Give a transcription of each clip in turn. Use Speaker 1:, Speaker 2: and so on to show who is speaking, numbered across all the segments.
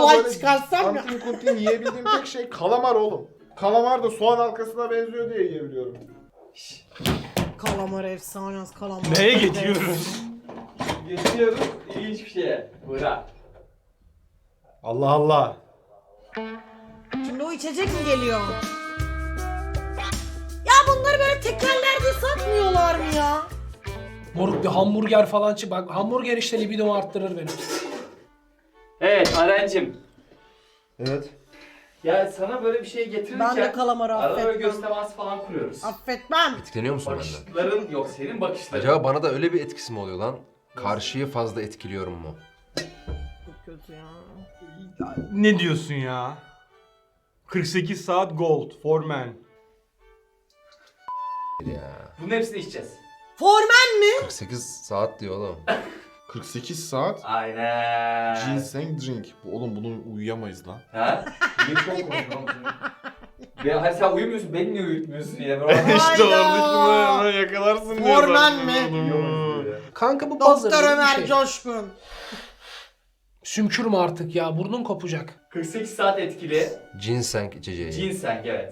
Speaker 1: olay
Speaker 2: böyle
Speaker 1: çıkarsam ya.
Speaker 2: antin kuntin yiyebildiğim tek şey kalamar oğlum. Kalamar da soğan halkasına benziyor diye yiyebiliyorum.
Speaker 1: Kalamar efsane, kalamar.
Speaker 3: Neye geçiyoruz?
Speaker 4: Geçiyoruz ilginç bir şeye. Bırak.
Speaker 3: Allah Allah.
Speaker 1: Şimdi o içecek mi geliyor? Ya bunları böyle tekerlerde satmıyorlar mı ya?
Speaker 5: Moruk bir hamburger falan çık. Bak hamburger işte libidomu arttırır benim.
Speaker 4: Evet Arencim.
Speaker 2: Evet.
Speaker 4: Ya sana böyle bir şey getirirken
Speaker 1: Ben de kalamarı
Speaker 4: arada böyle
Speaker 1: affetmem.
Speaker 4: göz teması falan kuruyoruz.
Speaker 1: Affetmem.
Speaker 6: Etkileniyor musun benden?
Speaker 4: Bakışların yok senin bakışların.
Speaker 6: Acaba bana da öyle bir etkisi mi oluyor lan? Karşıyı fazla etkiliyorum mu?
Speaker 1: Çok kötü ya.
Speaker 3: Ne diyorsun ya? 48 saat gold for men.
Speaker 6: Ya.
Speaker 4: Bunun hepsini içeceğiz.
Speaker 1: Formen mi?
Speaker 6: 48 saat diyor oğlum.
Speaker 2: 48 saat
Speaker 4: Aynen.
Speaker 2: ginseng drink. Oğlum bunu uyuyamayız lan.
Speaker 4: Ha? Niye çok konuşuyorsun? Ya hani sen uyumuyorsun, beni niye uyutmuyorsun yine?
Speaker 2: işte
Speaker 1: Hayda.
Speaker 2: oradaki hemen yakalarsın diye.
Speaker 1: Formen
Speaker 2: zaten
Speaker 1: mi?
Speaker 2: oğlum.
Speaker 5: Kanka bu buzzer
Speaker 1: Doktor
Speaker 5: gibi bir
Speaker 1: Ömer
Speaker 5: şey.
Speaker 1: Coşkun.
Speaker 5: Sümkürme artık ya, burnun kopacak.
Speaker 4: 48 saat etkili.
Speaker 6: Ginseng içeceği.
Speaker 4: Ginseng evet.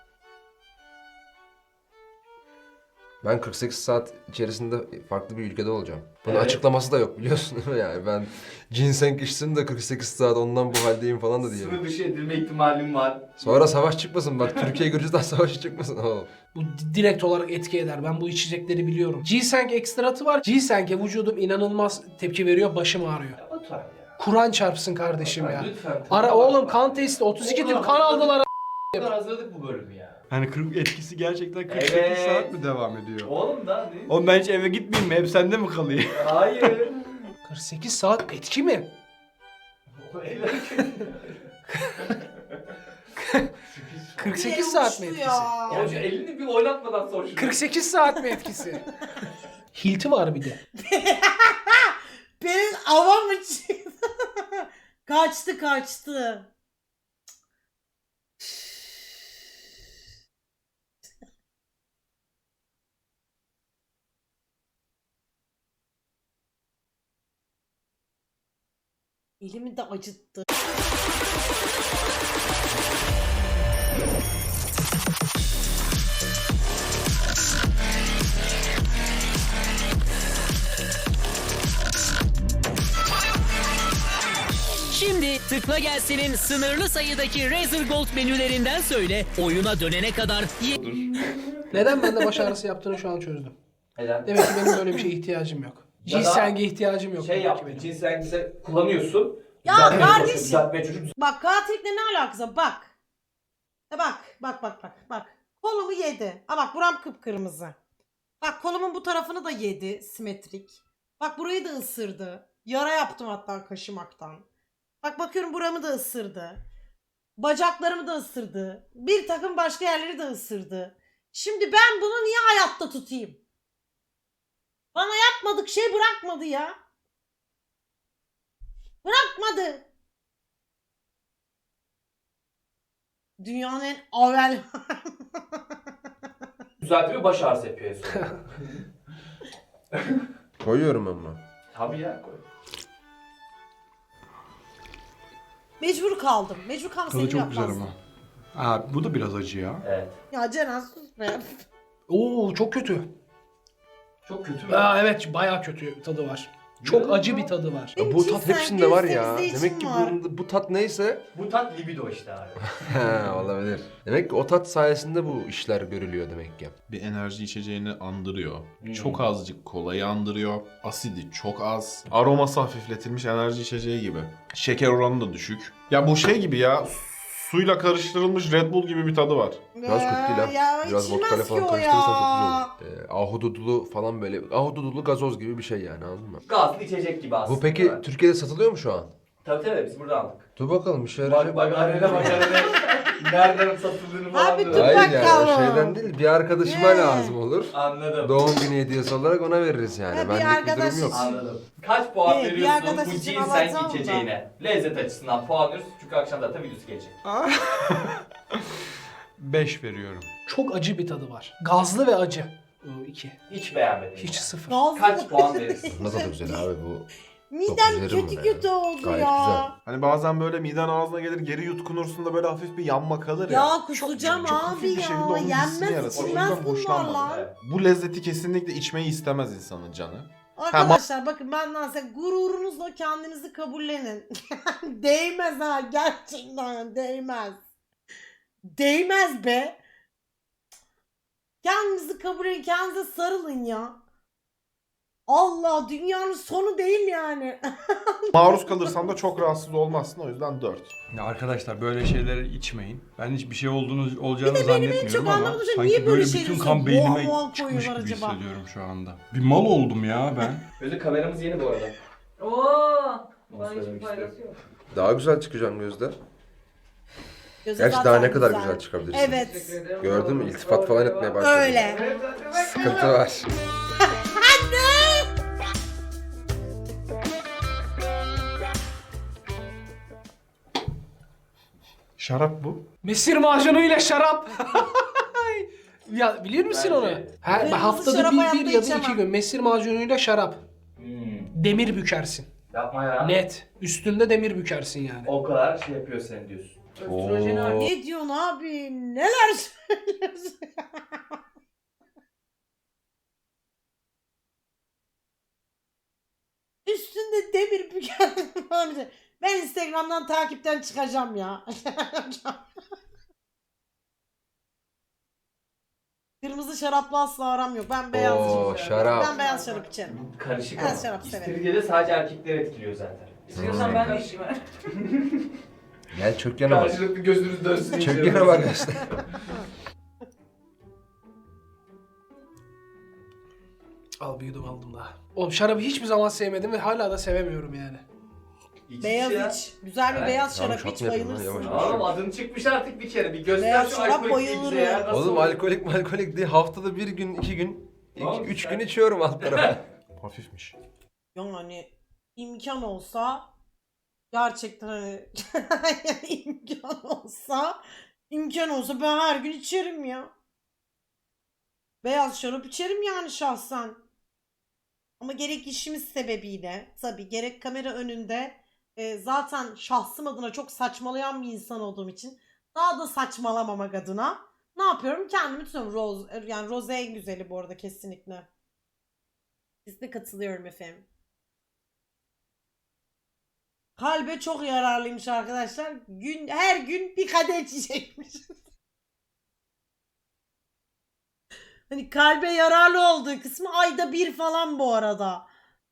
Speaker 6: Ben 48 saat içerisinde farklı bir ülkede olacağım. Bunun
Speaker 4: Evet.
Speaker 6: açıklaması da yok biliyorsun değil mi yani? Ben ginseng içtim de 48 saat ondan bu haldeyim falan da
Speaker 4: Sınır
Speaker 6: diyelim.
Speaker 4: dışı edilme ihtimalim var.
Speaker 6: Sonra savaş çıkmasın bak, Türkiye Gürcistan savaşı çıkmasın oğlum.
Speaker 5: Bu direkt olarak etki eder. Ben bu içecekleri biliyorum. Ginseng ekstratı var. Ginseng'e vücudum inanılmaz tepki veriyor. Başım ağrıyor.
Speaker 4: Ya Batuhan ya.
Speaker 5: Kur'an çarpsın kardeşim ya.
Speaker 4: Lütfen.
Speaker 5: Ara oğlum kan testi 32 tip kan aldılar.
Speaker 4: Bu kadar hazırladık bu bölümü ya.
Speaker 3: Hani 40 etkisi gerçekten 48
Speaker 4: Evet.
Speaker 3: saat mi devam ediyor?
Speaker 4: Oğlum da değil.
Speaker 3: Oğlum ben hiç eve gitmeyeyim mi? Hep sende mi kalıyor?
Speaker 4: Hayır.
Speaker 5: 48 saat etki mi?
Speaker 4: O eller kötü.
Speaker 5: 48 saat mi etkisi?
Speaker 4: Ya şu elini bir oynatmadan sor şunu.
Speaker 5: 48 saat mi etkisi? Hilti var bir de.
Speaker 1: Benim avam mı çıktı? Kaçtı. Elimi de acıttı.
Speaker 7: Şimdi tıkla gelsin'in sınırlı sayıdaki Razer Gold menülerinden söyle, oyuna dönene kadar
Speaker 5: Neden bende baş ağrısı yaptığını şu an çözdüm.
Speaker 4: Neden?
Speaker 5: Demek ki benim böyle bir şeye ihtiyacım yok.
Speaker 4: Ya da
Speaker 5: Ginseng'e ihtiyacım yok.
Speaker 4: Şey
Speaker 5: demek ki
Speaker 4: yaptı,
Speaker 5: benim.
Speaker 4: cinsel kullanıyorsun.
Speaker 1: Ya
Speaker 4: Düzeltmeye
Speaker 1: kardeşim.
Speaker 4: çalışıyorsun, düzeltmeye çocuk.
Speaker 1: Bak katilikle ne alakası var? Bak. Bak. Kolumu yedi. Ha bak buram kıpkırmızı. Bak kolumun bu tarafını da yedi simetrik. Bak burayı da ısırdı. Yara yaptım hatta kaşımaktan. Bak bakıyorum buramı da ısırdı. Bacaklarımı da ısırdı. Bir takım başka yerleri de ısırdı. Şimdi ben bunu niye hayatta tutayım? Bana yapmadık şey bırakmadı ya. Bırakmadı. Dünyanın en avel...
Speaker 4: Düzeltiyor, baş ağrısı yapıyor en sonunda.
Speaker 6: Koyuyorum ama.
Speaker 4: Tabii ya. Koy.
Speaker 1: Mecbur kaldım. Mecbur kaldım
Speaker 3: Tadı
Speaker 1: seni
Speaker 3: çok güzel
Speaker 1: yapmazdım.
Speaker 3: ama. Ha bu da biraz acı ya.
Speaker 4: Evet.
Speaker 1: Ya Ceren sus be.
Speaker 5: Oo çok kötü.
Speaker 4: Çok kötü mü?
Speaker 5: Aa, evet bayağı kötü tadı var. Çok acı bir tadı var.
Speaker 1: Benim
Speaker 6: Bu tat
Speaker 1: cinsel
Speaker 6: hepsinde var ya.
Speaker 1: gösterisi
Speaker 6: Demek ki
Speaker 1: için var.
Speaker 6: bu tat neyse
Speaker 4: Bu tat libido işte abi.
Speaker 6: he, olabilir. Demek ki o tat sayesinde bu işler görülüyor demek ki.
Speaker 2: Bir enerji içeceğini andırıyor.
Speaker 4: Hmm.
Speaker 2: Çok azıcık kolayı andırıyor. Asidi çok az. Aroması hafifletilmiş enerji içeceği gibi. Şeker oranı da düşük. Ya bu şey gibi ya. Suyla karıştırılmış Red Bull gibi bir tadı var.
Speaker 6: Biraz kötü değil ha.
Speaker 1: Ya
Speaker 6: Biraz
Speaker 1: içilmez
Speaker 6: vodka ile
Speaker 1: ki
Speaker 6: falan
Speaker 1: o
Speaker 6: karıştırırsan çok
Speaker 1: ya.
Speaker 6: güzel olur. Ahududulu falan böyle. Ahududulu gazoz gibi bir şey yani, anladın mı?
Speaker 4: Gazlı içecek gibi aslında.
Speaker 6: Bu peki Türkiye'de satılıyor mu şu an?
Speaker 4: Tabii biz buradan aldık.
Speaker 6: Dur bakalım bir şey yarayacak.
Speaker 4: Bak arene nereden satıldığını falan
Speaker 1: Abi
Speaker 4: diyor.
Speaker 1: dur
Speaker 6: Hayır
Speaker 1: bakalım.
Speaker 6: yani o şeyden değil, bir arkadaşıma
Speaker 1: Ne?
Speaker 6: lazım olur.
Speaker 4: Anladım.
Speaker 6: Doğum günü hediyesi olarak ona veririz yani.
Speaker 1: Ha, bir
Speaker 6: Benlik bir durum
Speaker 1: arkadaş
Speaker 6: yok.
Speaker 4: Anladım. Kaç puan
Speaker 1: Bir
Speaker 4: veriyorsun
Speaker 1: arkadaş
Speaker 4: bu
Speaker 1: için
Speaker 4: ginseng
Speaker 1: alacağım da.
Speaker 4: içeceğine? Lezzet açısından puan veriyoruz çünkü akşam zaten videosu gelecek.
Speaker 3: 5 veriyorum.
Speaker 5: Çok acı bir tadı var. Gazlı ve acı. 2.
Speaker 4: Hiç beğenmedim.
Speaker 5: Hiç sıfır.
Speaker 1: Gazlı.
Speaker 4: Kaç puan verirsin?
Speaker 6: Ne tadı güzel abi bu.
Speaker 1: Midem
Speaker 6: Dokuz
Speaker 1: kötü
Speaker 6: verim
Speaker 1: kötü
Speaker 6: ya.
Speaker 1: oldu
Speaker 6: Gayet
Speaker 1: ya.
Speaker 6: güzel.
Speaker 2: Hani bazen böyle miden ağzına gelir geri yutkunursun da böyle hafif bir yanma kalır ya.
Speaker 1: Ya kusacağım
Speaker 2: çok
Speaker 1: abi
Speaker 2: hafif bir şekilde
Speaker 1: ya.
Speaker 2: onun hissini
Speaker 1: Yenmez
Speaker 2: yaratır. O
Speaker 1: içilmez
Speaker 2: yüzden hoşlanmadım.
Speaker 1: bunlarla.
Speaker 4: Evet.
Speaker 2: Bu lezzeti kesinlikle içmeyi istemez insanın canı.
Speaker 1: Arkadaşlar bakın benden size gururunuzla kendinizi kabullenin. Değmez ha gerçekten değmez. Değmez be. Kendinizi kabul edin, kendinize sarılın ya. Allah dünyanın sonu değil yani.
Speaker 2: Maruz kalırsan da çok rahatsız olmazsın, o yüzden 4.
Speaker 3: Ya arkadaşlar böyle şeyleri içmeyin. Ben hiçbir şey olacağını
Speaker 1: çok
Speaker 3: zannetmiyorum ama
Speaker 1: anlamadığım şey,
Speaker 3: sanki
Speaker 1: niye böyle
Speaker 3: böyle
Speaker 1: şeyleri
Speaker 3: bütün
Speaker 1: üstüne
Speaker 3: kan beynime
Speaker 1: boğa boğa
Speaker 3: çıkmış
Speaker 1: koyuyorlar
Speaker 3: gibi
Speaker 1: acaba?
Speaker 3: hissediyorum şu anda. Bir mal oldum ya ben.
Speaker 4: Gözde kameramız yeni bu arada.
Speaker 8: Oo.
Speaker 4: Onu
Speaker 8: Bana hiçbir
Speaker 4: söylemek
Speaker 8: faydası
Speaker 4: isterim.
Speaker 8: yok.
Speaker 6: Daha güzel çıkacağım Gözde.
Speaker 1: Göze
Speaker 6: Gerçi daha
Speaker 1: zaten
Speaker 6: ne kadar güzel çıkabilirsin.
Speaker 1: Evet.
Speaker 8: Teşekkür ederim.
Speaker 6: Gördün mü? İltifat falan etmeye başladı.
Speaker 1: Öyle.
Speaker 6: Sıkıntı var.
Speaker 2: Şarap bu.
Speaker 5: Mesir macunuyla şarap. Ya biliyor musun
Speaker 4: Bence-
Speaker 5: onu?
Speaker 1: Kırmızı
Speaker 5: Haftada
Speaker 1: şarap
Speaker 5: bir
Speaker 1: hayatta
Speaker 5: ya da iki
Speaker 1: içemem.
Speaker 5: gün mesir macunuyla şarap. Demir bükersin.
Speaker 4: Yapma ya.
Speaker 5: Net. Üstünde demir bükersin yani.
Speaker 4: O kadar şey yapıyor sen diyorsun.
Speaker 8: Östrojeni
Speaker 6: Oo.
Speaker 1: Ne diyorsun abi? Neler söylüyorsun? Üstünde demir büken falan bir şey. Ben Instagram'dan takipten çıkacağım ya. Kırmızı şarapla asla aram yok. Ben beyaz
Speaker 6: Oo,
Speaker 1: içerim.
Speaker 6: şarap.
Speaker 1: Ben beyaz şarap içerim.
Speaker 4: Karışık
Speaker 1: Ben
Speaker 4: ama.
Speaker 1: şarap severim.
Speaker 4: İstiridye de sadece erkekleri etkiliyor zaten.
Speaker 8: İstiyorsan ben de içeyim.
Speaker 6: Gel çök yana bak.
Speaker 4: Karşılıklı gözünüz dönsün.
Speaker 6: Çök yana bak işte.
Speaker 5: Al bir yudum aldım daha. Oğlum şarabı hiçbir zaman sevmedim ve hala da sevemiyorum yani.
Speaker 1: Beyaz
Speaker 4: ya.
Speaker 1: iç. Güzel bir
Speaker 4: Evet.
Speaker 1: beyaz
Speaker 6: Tamam,
Speaker 1: şarap iç
Speaker 6: şat mı yapayım lan,
Speaker 1: bayılırsın.
Speaker 6: yavaş.
Speaker 4: Oğlum adın çıkmış artık bir kere. Bir göster
Speaker 1: Beyaz
Speaker 4: şu
Speaker 1: şarap
Speaker 4: alkolikliği bize
Speaker 1: bayılırım.
Speaker 4: ya. Nasıl
Speaker 6: Oğlum
Speaker 4: olur?
Speaker 6: alkolik değil. Haftada bir gün, 2 gün,
Speaker 4: Oğlum
Speaker 6: 3
Speaker 4: sen-
Speaker 6: gün içiyorum alt tarafa.
Speaker 2: Hafifmiş.
Speaker 1: Yani imkan olsa gerçekten hani imkan olsa ben her gün içerim ya. Beyaz şarap içerim yani şahsen. Ama gerek işimiz sebebiyle tabii gerek kamera önünde zaten şahsım adına çok saçmalayan bir insan olduğum için daha da saçmalamamak adına ne yapıyorum? Kendimi tutuyorum. Yani Rose en güzeli bu arada kesinlikle. Kesinlikle katılıyorum efendim. Kalbe çok yararlıymış arkadaşlar. Her gün bir kadeh içecekmiş. Hani kalbe yararlı olduğu kısmı ayda bir falan bu arada.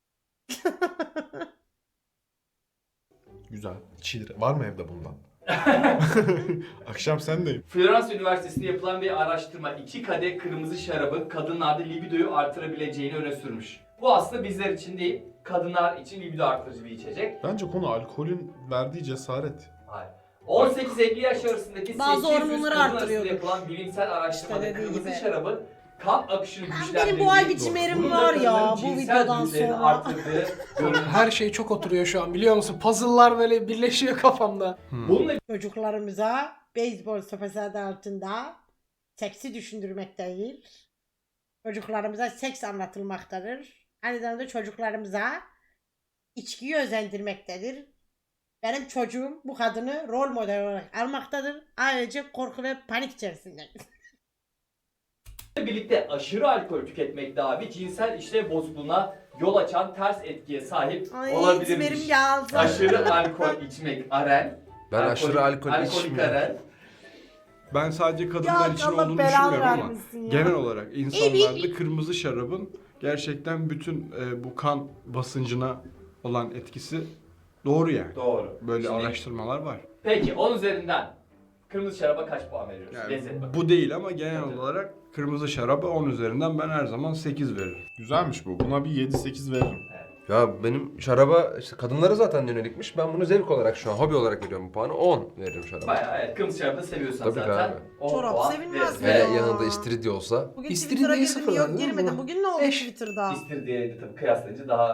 Speaker 2: Güzel. İçilir. Var mı evde bundan? Akşam sendeyim.
Speaker 4: Florence Üniversitesi'nde yapılan bir araştırma 2 kadeh kırmızı şarabın kadınlarda libidoyu artırabileceğini öne sürmüş. Bu aslında bizler için değil, kadınlar için libido artırıcı bir içecek.
Speaker 2: Bence konu alkolün verdiği cesaret.
Speaker 4: Hayır. 18-50 yaş arasındaki
Speaker 1: Bazı
Speaker 4: 800
Speaker 1: hormonları
Speaker 4: kadın arasında
Speaker 1: arttırıyordur.
Speaker 4: yapılan bilimsel araştırmada
Speaker 1: İşte dediği
Speaker 4: kırmızı
Speaker 1: gibi.
Speaker 4: şarabın kan akışını
Speaker 1: Benim
Speaker 4: güçlendirdiği,
Speaker 1: bu ay bir cimerim
Speaker 4: bunun da
Speaker 1: var ya
Speaker 4: kadının
Speaker 1: bu
Speaker 4: cinsel
Speaker 1: videodan
Speaker 4: güçlerini
Speaker 1: sonra.
Speaker 4: arttırdığı görülmüş.
Speaker 5: Her şey çok oturuyor şu an biliyor musun? Puzzle'lar böyle birleşiyor kafamda.
Speaker 4: Bununla
Speaker 1: Çocuklarımıza beyzbol sopası adı altında seksi düşündürmek değil. Çocuklarımıza seks anlatılmaktadır. Aynı zamanda çocuklarımıza içkiyi özendirmektedir. Benim çocuğum bu kadını rol model olarak almaktadır. Ayrıca korku ve panik içerisinde.
Speaker 4: birlikte aşırı alkol tüketmek de abi cinsel işlev bozukluğuna yol açan ters etkiye sahip
Speaker 1: Ay
Speaker 4: olabilirmiş.
Speaker 1: içmerim geldi.
Speaker 4: Aşırı alkol içmek Aren.
Speaker 6: Ben aşırı alkol
Speaker 4: alkolik
Speaker 6: içmiyorum.
Speaker 4: Aren.
Speaker 3: Ben sadece kadınlar
Speaker 1: Ya
Speaker 3: için
Speaker 1: Allah
Speaker 3: olduğunu
Speaker 1: belanı
Speaker 3: düşünmüyorum ama
Speaker 1: vermesin ya.
Speaker 3: genel olarak insanlarda kırmızı şarabın gerçekten bütün bu kan basıncına olan etkisi doğru yani.
Speaker 4: Doğru.
Speaker 3: Böyle
Speaker 4: Şimdi-
Speaker 3: araştırmalar var.
Speaker 4: Peki 10 üzerinden kırmızı şaraba kaç puan veriyoruz?
Speaker 3: Yani
Speaker 4: Lezzet bak.
Speaker 3: bu değil ama genel
Speaker 4: Tabii.
Speaker 3: olarak kırmızı şaraba 10 üzerinden ben her zaman 8 veririm.
Speaker 2: Güzelmiş bu. Buna bir 7-8 veririm.
Speaker 6: Ya benim şaraba işte kadınlara zaten yönelikmiş. Ben bunu zevk olarak şu an hobi olarak veriyorum bu puanı. 10 veririm şaraba.
Speaker 4: Bayağı evet kırmızı şarabı da seviyorsan
Speaker 6: Tabii ki
Speaker 4: zaten.
Speaker 6: abi.
Speaker 4: 10
Speaker 1: Çorap
Speaker 4: puan
Speaker 1: sevilmez
Speaker 4: veririz.
Speaker 6: Hele
Speaker 1: ya.
Speaker 6: yanında istiridye olsa.
Speaker 1: Bugün
Speaker 5: İstiridyeyi
Speaker 1: Twitter'a girdim
Speaker 5: sıfırladın
Speaker 1: yok
Speaker 5: değil mi
Speaker 1: girmedim.
Speaker 5: bunu?
Speaker 1: Bugün ne oldu
Speaker 5: Eş.
Speaker 1: Twitter'da?
Speaker 4: İstiridye'ye de tabii kıyaslayınca daha...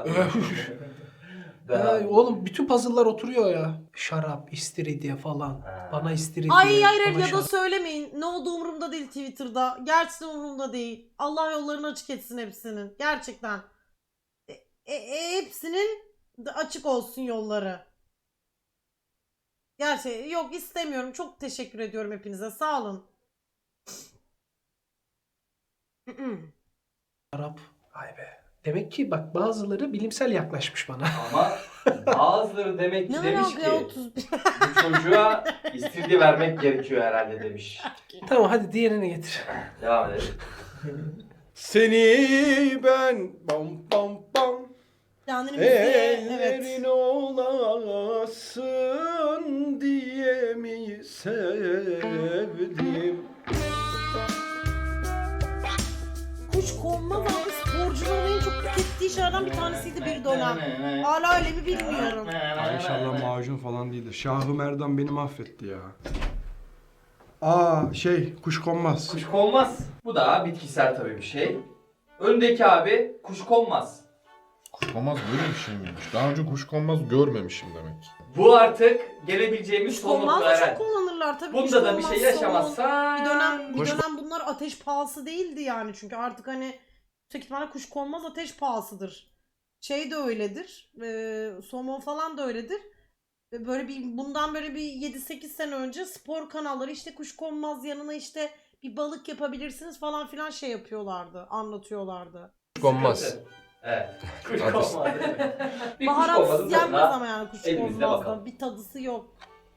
Speaker 5: Oğlum bütün puzzle'lar oturuyor ya. Şarap, istiridye falan.
Speaker 4: Ha.
Speaker 5: Bana istiridye.
Speaker 1: Ay hayır
Speaker 5: bana
Speaker 1: ya da
Speaker 5: şarap.
Speaker 1: söylemeyin. Ne olduğu umurumda değil Twitter'da. Gerçekten umurumda değil. Allah yollarını açık etsin hepsinin. Gerçekten. Hepsinin Açık olsun yolları. Gerçi yok istemiyorum. Çok teşekkür ediyorum hepinize. Sağ olun.
Speaker 5: Arap. Vay be. Demek ki bak bazıları bilimsel yaklaşmış bana.
Speaker 4: Ama bazıları demek ki
Speaker 1: Ne
Speaker 4: demiş
Speaker 1: alaka ya
Speaker 4: ki
Speaker 1: 31?
Speaker 4: bu çocuğa istiridye vermek gerekiyor herhalde demiş.
Speaker 5: Tamam hadi diğerini getir.
Speaker 4: Devam edelim.
Speaker 3: Seni ben bam bam bam
Speaker 1: Kendini müziğe evet.
Speaker 3: ellerin olasın diye mi sevdim?
Speaker 1: Kuş konmaz abi sporcuların en çok tükettiği şeylerden bir tanesiydi bir dönem. Hala öyle mi bilmiyorum.
Speaker 3: Ay İnşallah macun falan değildir. Şahı Merdan beni mahvetti ya. Aa kuşkonmaz.
Speaker 4: Kuşkonmaz. Bu da bitkisel tabii bir şey. Öndeki abi kuşkonmaz.
Speaker 2: Kuşkonmaz böyle bir şey miymiş? Daha önce kuşkonmaz görmemişim demek.
Speaker 4: Bu artık gelebileceğimiz son
Speaker 1: Kuşkonmaz
Speaker 4: nokta
Speaker 1: da çok
Speaker 4: herhalde.
Speaker 1: kullanırlar tabii.
Speaker 4: Bunda da bir
Speaker 1: Kuşkonmaz,
Speaker 4: şey
Speaker 1: somon.
Speaker 4: yaşamazsa...
Speaker 1: Bir dönem bunlar ateş pahası değildi yani çünkü artık hani yüksek ihtimalle kuşkonmaz ateş pahasıdır. Şey de öyledir. Somon falan da öyledir. Böyle bundan böyle bir 7-8 sene önce spor kanalları işte kuşkonmaz yanına işte bir balık yapabilirsiniz falan filan şey yapıyorlardı, anlatıyorlardı.
Speaker 6: Konmaz.
Speaker 4: Evet. Kuşkonmaz. Bir
Speaker 1: Baharatsız
Speaker 4: kuşkonmazın
Speaker 1: yenmez
Speaker 4: tadına
Speaker 1: ama yani
Speaker 4: elimizde bakalım.
Speaker 1: kuşkonmazda bir tadısı yok.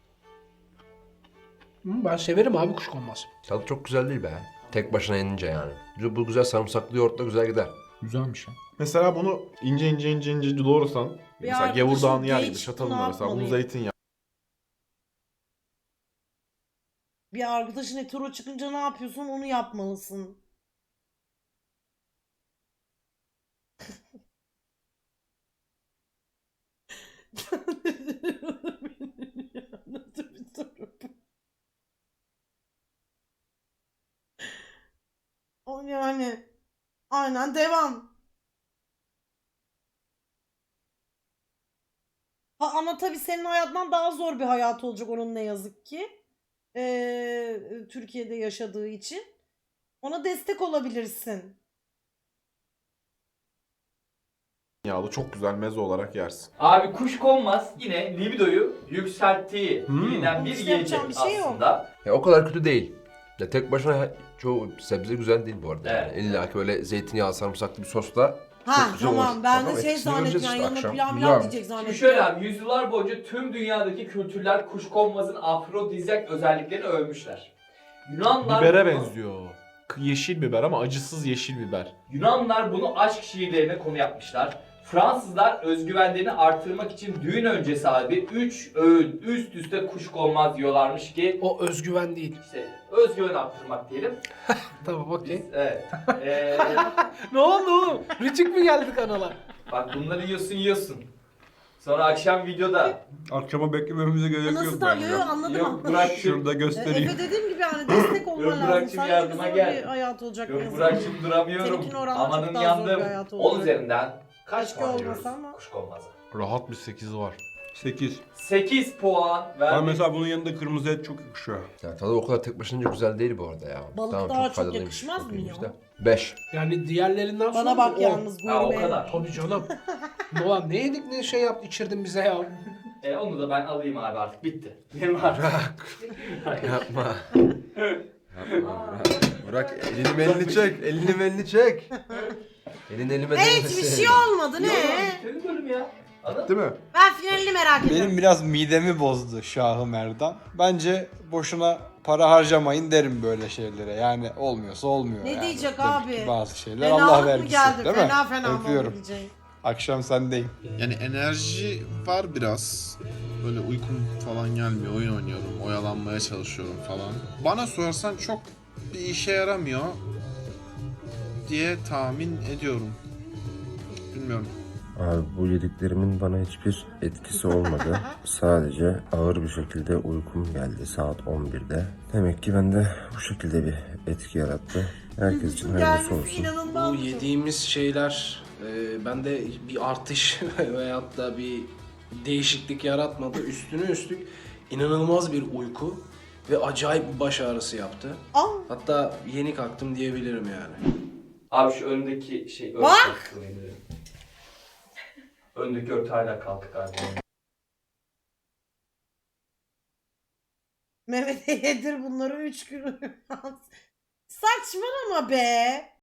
Speaker 5: Ben severim abi kuşkonmaz.
Speaker 6: Tadı çok güzel değil be. Tek başına yenince yani. Bu güzel sarımsaklı yoğurtla güzel gider.
Speaker 2: Güzelmiş ya. Mesela bunu ince doğrasan, mesela
Speaker 1: arkadaşım
Speaker 2: gevurdağını yer gibi
Speaker 1: geç,
Speaker 2: çatalınla
Speaker 1: ne
Speaker 2: mesela bunu
Speaker 1: yapmalıyım?
Speaker 2: zeytinyağı.
Speaker 1: Bir arkadaşın hetero çıkınca ne yapıyorsun onu yapmalısın. Nasıl bir soru bu? O yani aynen devam. Ama tabii senin hayatından daha zor bir hayat olacak onun ne yazık ki. Türkiye'de yaşadığı için. Ona destek olabilirsin.
Speaker 2: Yağlı çok güzel meze olarak yersin.
Speaker 4: Abi kuşkonmaz yine libidoyu yükselttiği bilinen bir
Speaker 1: İşte yapacağım
Speaker 4: yiyecek
Speaker 1: bir şey yok.
Speaker 4: aslında.
Speaker 6: Ya o kadar kötü değil. Ya tek başına çoğu sebze güzel değil bu arada.
Speaker 4: Evet.
Speaker 6: Yani. İlla ki böyle zeytinyağı sarımsaklı bir sosla
Speaker 1: Ha
Speaker 6: çok güzel
Speaker 1: tamam
Speaker 6: olur.
Speaker 1: ben
Speaker 6: Tamam,
Speaker 1: de şey
Speaker 6: etkisini
Speaker 1: zannettim
Speaker 6: göreceğiz
Speaker 1: yani
Speaker 6: işte
Speaker 1: yanına
Speaker 6: akşam.
Speaker 1: pilav
Speaker 2: Güzel.
Speaker 1: diyecek
Speaker 4: Şimdi
Speaker 1: zannettim.
Speaker 4: şöyle abi yüzyıllar boyunca tüm dünyadaki kültürler kuşkonmazın afrodizyak özelliklerini övmüşler. Yunanlar
Speaker 2: Bibere
Speaker 4: bunu-
Speaker 2: benziyor. Yeşil biber ama acısız yeşil biber.
Speaker 4: Yunanlar bunu aşk şiirlerine konu yapmışlar. Fransızlar özgüvenlerini artırmak için düğün öncesi abi 3 öğün üst üste kuşkonmaz yiyorlarmış ki
Speaker 5: O özgüven değil.
Speaker 4: işte özgüven arttırmak diyelim.
Speaker 5: Tamam okey.
Speaker 4: Evet.
Speaker 5: Ne oldu oğlum? Rütük mü geldi kanala?
Speaker 4: Bak bunları yiyorsun. Sonra akşam videoda
Speaker 3: Akşama beklememize gerek
Speaker 1: Nasıl
Speaker 3: yok
Speaker 1: da
Speaker 3: bence.
Speaker 1: yo anladım
Speaker 4: yok
Speaker 1: ama.
Speaker 4: Burak
Speaker 3: Şurada göstereyim.
Speaker 1: Efe dediğim gibi yani destek olman
Speaker 4: Yok,
Speaker 1: lazım.
Speaker 4: Burak'cığım
Speaker 1: Sadece
Speaker 4: yardıma
Speaker 1: zor
Speaker 4: gel.
Speaker 1: bir hayat olacak.
Speaker 4: yok
Speaker 1: yazık.
Speaker 4: Burak'cığım duramıyorum.
Speaker 1: Seninkine oranla çok
Speaker 4: Amanın
Speaker 1: daha zor bir
Speaker 4: yandım.
Speaker 1: hayat
Speaker 4: 10
Speaker 1: olacak.
Speaker 4: üzerinden kaç
Speaker 1: Keşke
Speaker 4: puan
Speaker 1: olmasa
Speaker 4: veriyoruz
Speaker 1: ama.
Speaker 4: kuşkonmaza?
Speaker 2: Rahat bir 8 var.
Speaker 3: 8.
Speaker 4: 8 puan
Speaker 3: Ama
Speaker 4: verdik.
Speaker 3: mesela bunun yanında kırmızı et çok yakışıyor.
Speaker 6: Ya tadı o kadar tek başına güzel değil bu arada ya.
Speaker 1: Balık
Speaker 6: tamam,
Speaker 1: daha çok
Speaker 6: faydalıymış,
Speaker 1: yakışmaz
Speaker 6: çok
Speaker 1: mı
Speaker 6: iyiymiş
Speaker 1: ya?
Speaker 6: de. 5.
Speaker 5: Yani diğerlerinden sonra
Speaker 1: Bana bak
Speaker 5: on.
Speaker 1: yalnız
Speaker 4: Ha, o
Speaker 1: gurme.
Speaker 4: kadar.
Speaker 5: Tabii canım. Ulan ne yedik ne şey yaptı içirdin bize ya.
Speaker 4: Onu da ben alayım abi artık bitti. Benim artık.
Speaker 6: Yapma. Yapma Burak elini elini çek. Elini çek. Elini elime
Speaker 1: Hiçbir şey olmadı ne?
Speaker 4: Senin bölüm ya. Anladın mı?
Speaker 3: Değil mi?
Speaker 1: Ben finalini merak ediyorum.
Speaker 9: Benim biraz midemi bozdu Şahı Merdan. Bence boşuna para harcamayın derim böyle şeylere. Yani olmuyorsa olmuyor.
Speaker 1: Ne
Speaker 9: yani.
Speaker 1: diyecek
Speaker 9: Demek
Speaker 1: abi?
Speaker 9: ki bazı şeyler
Speaker 1: Fenalık
Speaker 9: Allah
Speaker 1: mı
Speaker 9: vergisi.
Speaker 1: geldi?
Speaker 9: Değil mi?
Speaker 1: Fena mı
Speaker 9: Öpüyorum.
Speaker 1: diyecek?
Speaker 9: Akşam sendeyim.
Speaker 10: Yani enerji var biraz. Böyle uykum falan gelmiyor. Oyun oynuyorum. Oyalanmaya çalışıyorum falan. Bana sorarsan çok bir işe yaramıyor diye tahmin ediyorum. Bilmiyorum.
Speaker 11: Abi bu yediklerimin bana hiçbir etkisi olmadı. Sadece ağır bir şekilde uykum geldi saat 11'de. Demek ki bende bu şekilde bir etki yarattı. Herkes için hayırlısı
Speaker 1: Gelmesi
Speaker 11: olsun.
Speaker 1: inanılmaz.
Speaker 5: Bu yediğimiz şeyler bende bir artış veyahut da bir değişiklik yaratmadı. Üstüne üstlük inanılmaz bir uyku ve acayip bir baş ağrısı yaptı.
Speaker 1: Aa,
Speaker 5: Hatta yeni kalktım diyebilirim yani.
Speaker 4: Abi şu önündeki şey
Speaker 1: Bak!
Speaker 4: Öndeki örtü hala kalktı galiba.
Speaker 1: Mehmet'e yedir bunları 3 gün uyumaz. Saçmalama be.